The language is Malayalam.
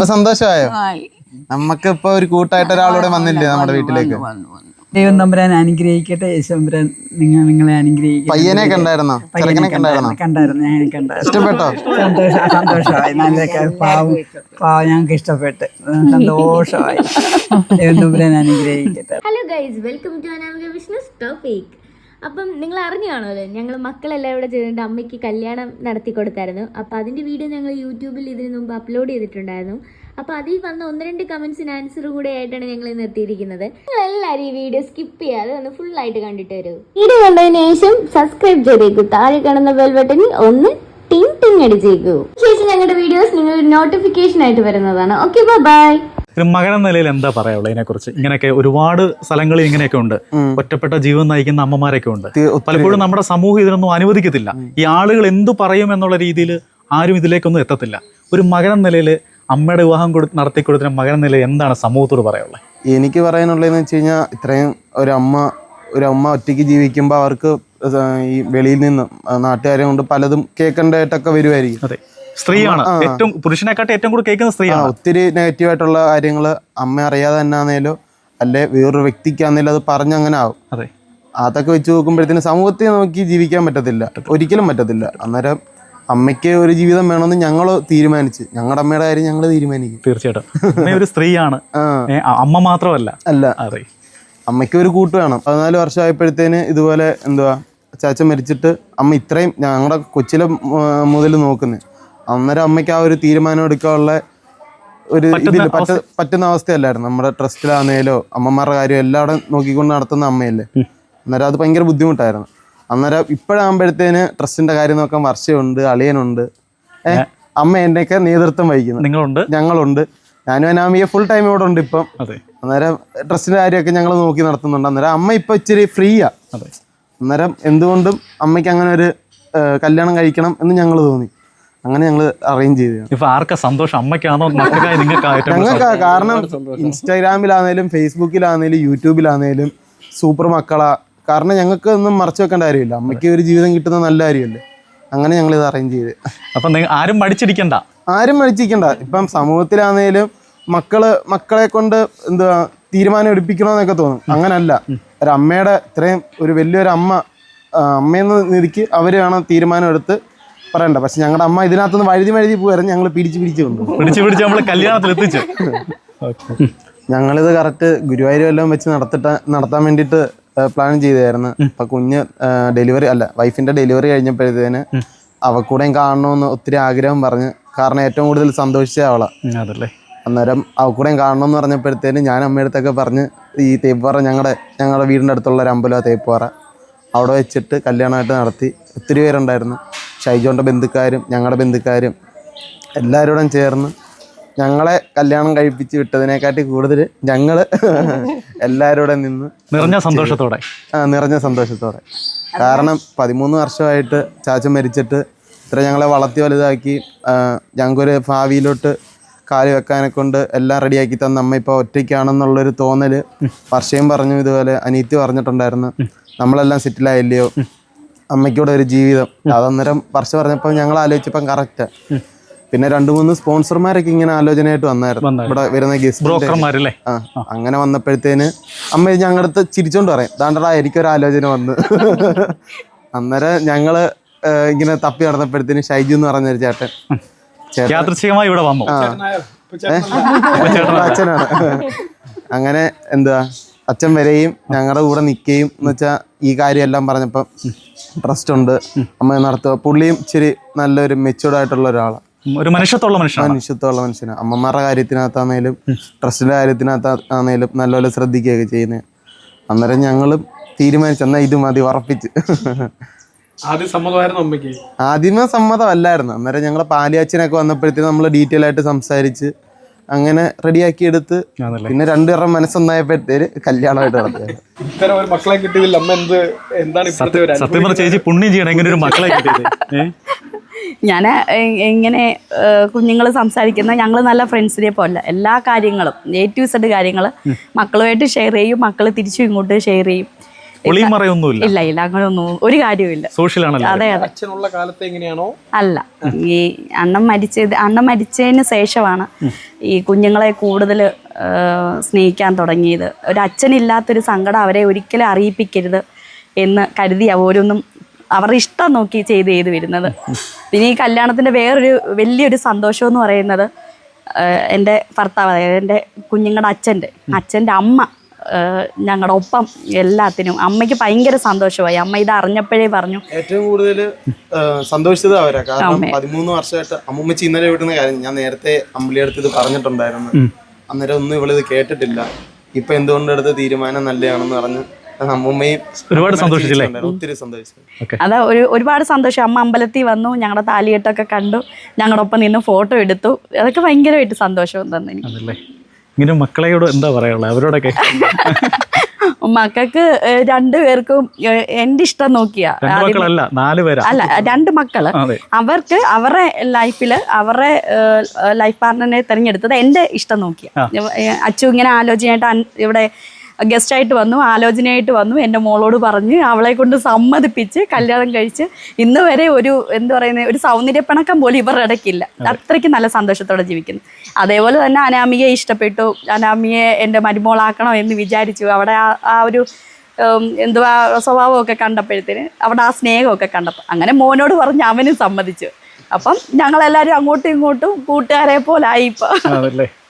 ഇപ്പൊ സന്തോഷമായോ? നമ്മക്ക് ഇപ്പൊ ഒരു കൂട്ടായിട്ട് ഒരാളൂടെ വന്നില്ലേ നമ്മുടെ വീട്ടിലേക്ക്? ദൈവം തമ്പുരാൻ അനുഗ്രഹിക്കട്ടെ. യേശുമ്പുരാൻ നിങ്ങളെ അനുഗ്രഹിക്കട്ടെ. പയ്യനെ കണ്ടായിരുന്നോ? കണ്ടായിരുന്നു. ഞാൻ കണ്ടായിരുന്നു. ഇഷ്ടപ്പെട്ടോ? സന്തോഷമായി. നല്ല പാവം ഞങ്ങൾക്ക് ഇഷ്ടപ്പെട്ട് സന്തോഷമായി. ദൈവം തമ്പുരാൻ അനുഗ്രഹിക്കട്ടെ. Hello guys, welcome to Anamika business topic. അപ്പം നിങ്ങൾ അറിഞ്ഞു കാണുമല്ലോ, ഞങ്ങൾ മക്കളെല്ലാം ഇവിടെ ചെയ്തിട്ട് അമ്മയ്ക്ക് കല്യാണം നടത്തി കൊടുത്തായിരുന്നു. അപ്പോൾ അതിൻ്റെ വീഡിയോ ഞങ്ങൾ യൂട്യൂബിൽ ഇതിന് മുമ്പ് അപ്ലോഡ് ചെയ്തിട്ടുണ്ടായിരുന്നു. അപ്പോൾ അതിൽ വന്ന 1-2 കമൻസിന് ആൻസർ കൂടെ ആയിട്ടാണ് ഞങ്ങൾ ഇന്ന് എത്തിയിരിക്കുന്നത്. നിങ്ങൾ എല്ലാവരും ഈ വീഡിയോ സ്കിപ്പ് ചെയ്യാതെ ഒന്ന് ഫുള്ളായിട്ട് കണ്ടിട്ട് വരൂ. വീഡിയോ കണ്ടതിന് ശേഷം സബ്സ്ക്രൈബ് ചെയ്തേക്കൂ. താഴെ കാണുന്ന ബെൽ ബട്ടണിൽ ഒന്ന് ടിങ് ടിങ് അടിച്ചേക്കൂ. ശേഷം ഞങ്ങളുടെ വീഡിയോസ് നിങ്ങൾ നോട്ടിഫിക്കേഷൻ ആയിട്ട് വരുന്നതാണ്. Okay, bye. ഒരു മകൻ നിലയിൽ എന്താ പറയാനുള്ളത് ഇതിനെക്കുറിച്ച്? ഇങ്ങനെയൊക്കെ ഒരുപാട് സ്ഥലങ്ങളിൽ ഇങ്ങനെയൊക്കെ ഉണ്ട്, ഒറ്റപ്പെട്ട ജീവൻ നയിക്കുന്ന അമ്മമാരൊക്കെ ഉണ്ട്. പലപ്പോഴും നമ്മുടെ സമൂഹം ഇതിനൊന്നും അനുവദിക്കത്തില്ല. ഈ ആളുകൾ എന്തു പറയും എന്നുള്ള രീതിയിൽ ആരും ഇതിലേക്കൊന്നും എത്തത്തില്ല. ഒരു മകൻ നിലയിൽ അമ്മയുടെ വിവാഹം നടത്തി കൊടുത്ത മകൻ നിലയിൽ എന്താണ് സമൂഹത്തോട് പറയാനുള്ളത്? എനിക്ക് പറയാനുള്ളതെന്ന് വെച്ച് കഴിഞ്ഞാൽ, ഇത്രയും ഒരു അമ്മ ഒറ്റയ്ക്ക് ജീവിക്കുമ്പോൾ അവർക്ക് ഈ വെളിയിൽ നിന്ന് നാട്ടുകാരെ കൊണ്ട് പലതും കേൾക്കേണ്ടതായിട്ടൊക്കെ വരുമായിരിക്കും. അതെ, സ്ത്രീയാണ് ഏറ്റവും, പുരുഷനെക്കാട്ട് ഏറ്റവും കൂടുതൽ കേൾക്കുന്ന സ്ത്രീയാണ്. ഒത്തിരി നെഗറ്റീവായിട്ടുള്ള കാര്യങ്ങൾ അമ്മ അറിയാതെ തന്നെ ആണെങ്കിലും അല്ലെ വേറൊരു വ്യക്തിക്കാണെങ്കിലും അത് പറഞ്ഞങ്ങനെ ആവും. അതെ, അതൊക്കെ വെച്ച് നോക്കുമ്പോഴത്തേന് സമൂഹത്തെ നോക്കി ജീവിക്കാൻ പറ്റത്തില്ല, ഒരിക്കലും പറ്റത്തില്ല. അന്നേരം അമ്മയ്ക്ക് ഒരു ജീവിതം വേണമെന്ന് ഞങ്ങൾ തീരുമാനിച്ച്, ഞങ്ങളുടെ അമ്മയുടെ കാര്യം ഞങ്ങൾ തീരുമാനിക്കും. തീർച്ചയായിട്ടും അമ്മ ഒരു സ്ത്രീയാണ്, അമ്മ മാത്രമല്ല. അതെ, അമ്മയ്ക്ക് ഒരു കൂട്ട് വേണം. 14 വർഷമായപ്പോഴത്തേന് ഇതുപോലെ ചാച്ച മരിച്ചിട്ട് അമ്മ ഇത്രയും ഞങ്ങളുടെ കൊച്ചിലെ മുതൽ നോക്കുന്നത്. അന്നേരം അമ്മയ്ക്ക് ആ ഒരു തീരുമാനം എടുക്കാനുള്ള ഒരു ഇതിൽ പറ്റുന്ന അവസ്ഥയല്ലായിരുന്നു. നമ്മുടെ ട്രസ്റ്റിലാണേലോ അമ്മമാരുടെ കാര്യം എല്ലാവരും നോക്കിക്കൊണ്ട് നടത്തുന്ന അമ്മയല്ലേ. അന്നേരം അത് ഭയങ്കര ബുദ്ധിമുട്ടായിരുന്നു. അന്നേരം ഇപ്പോഴാകുമ്പോഴത്തേന് ട്രസ്റ്റിന്റെ കാര്യം നോക്കാൻ വർഷമുണ്ട്, അളിയനുണ്ട്, അമ്മ എന്നെയൊക്കെ നേതൃത്വം വഹിക്കുന്നു. ഞങ്ങളുണ്ട്, ഞാനും അനാമിക ഫുൾ ടൈം ഇവിടെ ഉണ്ട് ഇപ്പം. അന്നേരം ട്രസ്റ്റിന്റെ കാര്യമൊക്കെ ഞങ്ങൾ നോക്കി നടത്തുന്നുണ്ട്. അന്നേരം അമ്മ ഇപ്പൊ ഇച്ചിരി ഫ്രീയാ. അന്നേരം എന്തുകൊണ്ടും അമ്മയ്ക്ക് അങ്ങനെ ഒരു കല്യാണം കഴിക്കണം എന്ന് ഞങ്ങൾ തോന്നി. അങ്ങനെ ഞങ്ങൾ അറേഞ്ച് ചെയ്തു. ഇപ്പൊ ആർക്കാ സന്തോഷം? അമ്മയ്ക്കാണോ ഞങ്ങൾക്ക്? കാരണം ഇൻസ്റ്റാഗ്രാമിലാണേലും ഫേസ്ബുക്കിലാണേലും യൂട്യൂബിലാണേലും സൂപ്പർ മക്കളാ. കാരണം ഞങ്ങൾക്ക് ഒന്നും മറച്ചു വെക്കേണ്ട കാര്യമില്ല. അമ്മയ്ക്ക് ഒരു ജീവിതം കിട്ടുന്ന നല്ല കാര്യമല്ലേ. അങ്ങനെ ഞങ്ങൾ ഇത് അറേഞ്ച് ചെയ്ത്. അപ്പൊ ആരും മടിച്ചിരിക്കണ്ട. ഇപ്പം സമൂഹത്തിലാണേലും മക്കളെ കൊണ്ട് തീരുമാനം എടുപ്പിക്കണമെന്നൊക്കെ തോന്നും. അങ്ങനല്ല, ഒരമ്മയുടെ ഇത്രയും ഒരു വലിയൊരു അമ്മയെന്ന നിധിക്ക് അവര് വേണം തീരുമാനം എടുത്ത് പറയണ്ട. പക്ഷെ ഞങ്ങളുടെ അമ്മ ഇതിനകത്തുനിന്ന് വഴുതി പോയായിരുന്നു. ഞങ്ങൾ പിടിച്ച് നമ്മള് കല്യാണത്തിൽ എത്തിച്ചു. ഞങ്ങളിത് കറക്റ്റ് ഗുരുവായൂർ എല്ലാം വെച്ച് നടത്താൻ വേണ്ടിയിട്ട് പ്ലാൻ ചെയ്തായിരുന്നു. അപ്പൊ കുഞ്ഞ് വൈഫിന്റെ ഡെലിവറി കഴിഞ്ഞപ്പോഴത്തേന് അവക്കൂടെയും കാണണമെന്ന് ഒത്തിരി ആഗ്രഹം പറഞ്ഞ്. കാരണം ഏറ്റവും കൂടുതൽ സന്തോഷിച്ച അവളാ. അന്നേരം അവക്കൂടെയും കാണണമെന്ന് പറഞ്ഞപ്പോഴത്തേന് ഞാൻ അമ്മയടുത്തൊക്കെ പറഞ്ഞ് ഈ തേപ്പുപാറ ഞങ്ങളുടെ വീടിൻ്റെ അടുത്തുള്ള ഒരു അമ്പലമാണ് തേപ്പുപാറ, അവിടെ വെച്ചിട്ട് കല്യാണമായിട്ട് നടത്തി. ഒത്തിരി പേരുണ്ടായിരുന്നു. ഷൈജോന്റെ ബന്ധുക്കാരും ഞങ്ങളുടെ ബന്ധുക്കാരും എല്ലാവരോടും ചേർന്ന് ഞങ്ങളെ കല്യാണം കഴിപ്പിച്ച് വിട്ടതിനെക്കാട്ടി കൂടുതൽ ഞങ്ങള് എല്ലാവരോടും നിന്ന് നിറഞ്ഞ സന്തോഷത്തോടെ. കാരണം 13 വർഷമായിട്ട് ചാച്ച മരിച്ചിട്ട് ഇത്ര ഞങ്ങളെ വളർത്തി വലുതാക്കി ഞങ്ങൾക്കൊരു ഭാവിയിലോട്ട് കാല് വെക്കാനെ കൊണ്ട് എല്ലാം റെഡിയാക്കി തന്ന അമ്മ ഇപ്പോൾ ഒറ്റയ്ക്കാണെന്നുള്ളൊരു തോന്നല് വർഷയും പറഞ്ഞു. ഇതുപോലെ അനീത്തി പറഞ്ഞിട്ടുണ്ടായിരുന്നു, നമ്മളെല്ലാം സെറ്റിലായില്ലയോ, അമ്മയ്ക്കൂടെ ഒരു ജീവിതം. അതന്നേരം വർഷം പറഞ്ഞപ്പോൾ ഞങ്ങൾ ആലോചിച്ചപ്പം കറക്റ്റാ. പിന്നെ 2-3 സ്പോൺസർമാരൊക്കെ ഇങ്ങനെ ആലോചനയായിട്ട് വന്നായിരുന്നു, ഇവിടെ വരുന്ന ഗസ്റ്റ്. അങ്ങനെ വന്നപ്പോഴത്തേന് അമ്മ ഞങ്ങളുടെ അടുത്ത് ചിരിച്ചോണ്ട് പറയും, ദാണ്ടടാ എനിക്കൊരു ആലോചന വന്ന്. അന്നേരം ഞങ്ങള് ഇങ്ങനെ തപ്പി നടന്നപ്പോഴത്തേന് ഷൈജു എന്ന് പറഞ്ഞൊരു ചേട്ടൻ ഇവിടെ വന്നു. അച്ഛനാണ്. അങ്ങനെ അച്ഛൻ വരെയും ഞങ്ങളുടെ കൂടെ നിൽക്കുകയും എന്ന് വെച്ചാൽ ഈ കാര്യമെല്ലാം പറഞ്ഞപ്പം ട്രസ്റ്റ് ഉണ്ട് അമ്മ നടത്തുക. പുള്ളിയും ഇച്ചിരി നല്ലൊരു മെച്യൂർഡ് ആയിട്ടുള്ള ഒരാളാണ്, ഒരു മനുഷ്യത്വമുള്ള മനുഷ്യനാണ്. അമ്മമാരുടെ കാര്യത്തിനകത്താണേലും ട്രസ്റ്റിന്റെ കാര്യത്തിനകത്താണേലും നല്ലപോലെ ശ്രദ്ധിക്കുകയൊക്കെ ചെയ്യുന്നത്. അന്നേരം ഞങ്ങളും തീരുമാനിച്ചു, എന്നാൽ ഇത് മതി, ഉറപ്പിച്ച്. ആദ്യമേ സമ്മതമല്ലായിരുന്നു. അന്നേരം ഞങ്ങൾ പാലിയാച്ചനൊക്കെ വന്നപ്പോഴത്തേക്കും നമ്മൾ ഡീറ്റെയിൽ ആയിട്ട് സംസാരിച്ച് അങ്ങനെ റെഡിയാക്കി എടുത്ത് പിന്നെ 2 പേരുടെ മനസ്സൊന്നായപ്പോഴത്തേര് കല്യാണമായിട്ട് നടത്തിയത്. ഞാൻ ഇങ്ങനെ കുഞ്ഞുങ്ങൾ സംസാരിക്കുന്ന ഞങ്ങൾ നല്ല ഫ്രണ്ട്സിനെ പോലെ എല്ലാ കാര്യങ്ങളും A to Z കാര്യങ്ങൾ മക്കളുമായിട്ട് ഷെയർ ചെയ്യും, മക്കൾ തിരിച്ചും ഇങ്ങോട്ട് ഷെയർ ചെയ്യും. ഒളിയും മറയൊന്നുമില്ല. ഇല്ല ഇല്ല, അങ്ങനെയൊന്നും ഒരു കാര്യവുമില്ല. സോഷ്യൽ ആണല്ലോ. അതെ അതെ. അച്ഛനുള്ള കാലത്ത് എങ്ങനെയാണോ അല്ല, ഈ അണ്ണൻ മരിച്ചതിന് ശേഷമാണ് ഈ കുഞ്ഞുങ്ങളെ കൂടുതൽ സ്നേഹിക്കാൻ തുടങ്ങിയത്. ഒരു അച്ഛനില്ലാത്തൊരു സങ്കടം അവരെ ഒരിക്കലും അറിയിപ്പിക്കരുത് എന്ന് കരുതി ഓരോന്നും അവരുടെ ഇഷ്ടം നോക്കി ചെയ്ത് വരുന്നത്. പിന്നെ ഈ കല്യാണത്തിൻ്റെ വേറൊരു വലിയൊരു സന്തോഷം എന്ന് പറയുന്നത് എൻ്റെ ഭർത്താവ്, അതായത് എൻ്റെ കുഞ്ഞുങ്ങളുടെ അച്ഛൻ്റെ അമ്മ ഞങ്ങളുടെ ഒപ്പം എല്ലാത്തിനും. അമ്മയ്ക്ക് ഭയങ്കര സന്തോഷമായി. അമ്മ ഇത് അറിഞ്ഞപ്പോഴേ പറഞ്ഞു. ഏറ്റവും കൂടുതൽ സന്തോഷിച്ചത് അവരാ. കാരണം 13 വർഷമായിട്ട് അമ്മൂമ്മച്ചി ഇന്നലെ വിട്ടുന്ന കാര്യം ഞാൻ നേരത്തെ അമ്പിളിയടുത്ത് ഇത് പറഞ്ഞിട്ടുണ്ടായിരുന്നു. അന്നേരം ഒന്നും ഇവളിത് കേട്ടിട്ടില്ല. ഇപ്പൊ എന്തുകൊണ്ടെടുത്ത തീരുമാനം നല്ലതാണെന്ന് പറഞ്ഞ് അമ്മൂമ്മയും ഒരുപാട് സന്തോഷിച്ചില്ലേ? ഒത്തിരി സന്തോഷിച്ചു. അതാ ഒരുപാട് സന്തോഷം. അമ്മ അമ്പലത്തിൽ വന്നു, ഞങ്ങളുടെ താലികെട്ടൊക്കെ കണ്ടു, ഞങ്ങളുടെ ഒപ്പം നിന്ന് ഫോട്ടോ എടുത്തു. അതൊക്കെ ഭയങ്കരമായിട്ട് സന്തോഷം തന്നെ എനിക്ക്. അതല്ലേ. ഇങ്ങനെ മക്കളെയോട് എന്താ പറയാനുള്ളത് അവരോടൊക്കെ? മക്കൾക്ക് 2 പേർക്കും എൻ്റെ ഇഷ്ടം നോക്കിയാ. 2 മക്കളല്ല 4 പേരാ. അല്ല, 2 മക്കള്. അവർക്ക് അവരുടെ ലൈഫിൽ അവരുടെ ലൈഫ് പാർട്ട്ണറിനെ തിരഞ്ഞെടുത്തത് എൻ്റെ ഇഷ്ടം നോക്കിയാ. അച്ചു ഇങ്ങനെ ആലോചനയായിട്ട് ഇവിടെ ഗസ്റ്റായിട്ട് വന്നു, ആലോചനയായിട്ട് വന്നു, എൻ്റെ മോളോട് പറഞ്ഞ് അവളെ കൊണ്ട് സമ്മതിപ്പിച്ച് കല്യാണം കഴിച്ച് ഇന്ന് വരെ ഒരു സൗന്ദര്യപ്പിണക്കം പോലും ഇവരുടെ ഇടയ്ക്കില്ല. അത്രയ്ക്ക് നല്ല സന്തോഷത്തോടെ ജീവിക്കുന്നു. അതേപോലെ തന്നെ അനാമികയെ ഇഷ്ടപ്പെട്ടു. അനാമിയെ എൻ്റെ മരുമോളാക്കണം എന്ന് വിചാരിച്ചു. അവിടെ ആ ഒരു സ്വഭാവമൊക്കെ കണ്ടപ്പോഴത്തേന്, അവിടെ ആ സ്നേഹമൊക്കെ കണ്ടപ്പോൾ അങ്ങനെ മോനോട് പറഞ്ഞ് അവനും സമ്മതിച്ചു. അപ്പം ഞങ്ങളെല്ലാവരും അങ്ങോട്ടും ഇങ്ങോട്ടും കൂട്ടുകാരെ പോലെ ആയി ഇപ്പം.